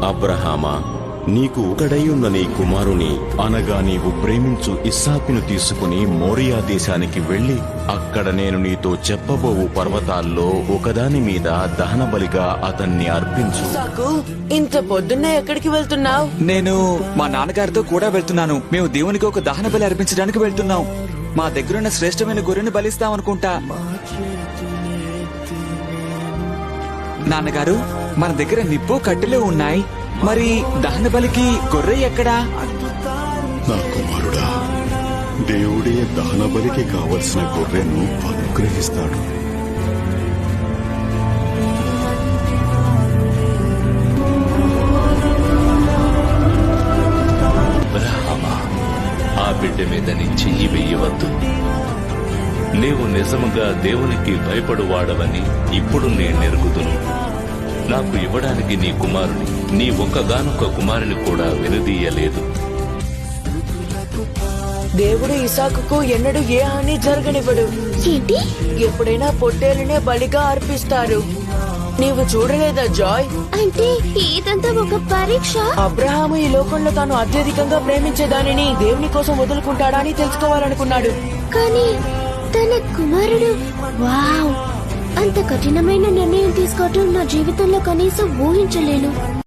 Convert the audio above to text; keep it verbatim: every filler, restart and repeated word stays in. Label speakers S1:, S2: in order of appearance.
S1: అబ్రహామా, నీకు ఒకడైయున్న నీ కుమారుని అనగా నీవు ప్రేమించు ఇస్సాకును తీసుకుని మోరియా దేశానికి వెళ్లి అక్కడ నేను నీతో చెప్పబోవు పర్వతాల్లో ఒకదాని మీద దహనబలిగా అతన్ని అర్పించు.
S2: ఇస్సాకు, ఇంత పొద్దున్నే ఎక్కడికి వెళ్తున్నావు?
S3: నేను మా నాన్నగారితో కూడా వెళ్తున్నాను. మేము దేవునికి ఒక దహన బలి అర్పించడానికి వెళ్తున్నాం. మా దగ్గరున్న శ్రేష్టమైన గొర్రెను బలిస్తాం అనుకుంటా. నాన్నగారు, మన దగ్గర నిప్పు కట్టెలు ఉన్నాయి. మరి దహన బలికి గొర్రె ఎక్కడా?
S4: నా కుమారుడా, దేవుడే దహన బలికి కావలసిన గొర్రెను అనుగ్రహిస్తాడు.
S5: అబ్రహామా, ఆ బిడ్డ మీద నీ చెయ్యి వెయ్యవద్దు. నీవు నిజముగా దేవునికి భయపడువాడవని ఇప్పుడు నేను ఎరుగుదును. నాకు ఇవ్వడానికి నీ కుమారుని, నీ ఒక్కగానొక్క కుమారుని కూడా వెనుదీయలేదు.
S2: దేవుడు ఇసాకుకు ఎన్నడూ ఏ హాని జరగనివ్వడు.
S6: ఏంటి?
S2: ఎప్పుడైనా పొట్టేలునే బలిగా అర్పిస్తారు. నీవు చూడలేదా జాయ్?
S6: అంటే ఇదంతా ఒక పరీక్ష.
S2: అబ్రహాము ఈ లోకంలో తాను అత్యధికంగా ప్రేమించే దానిని దేవుని కోసం వదులుకుంటాడా అని తెలుసుకోవాలనుకున్నాడు.
S6: కానీ తన కుమారుడు, వావ్! అంత కఠినమైన నిర్ణయం తీసుకోవటం నా జీవితంలో కనీసం ఊహించలేను.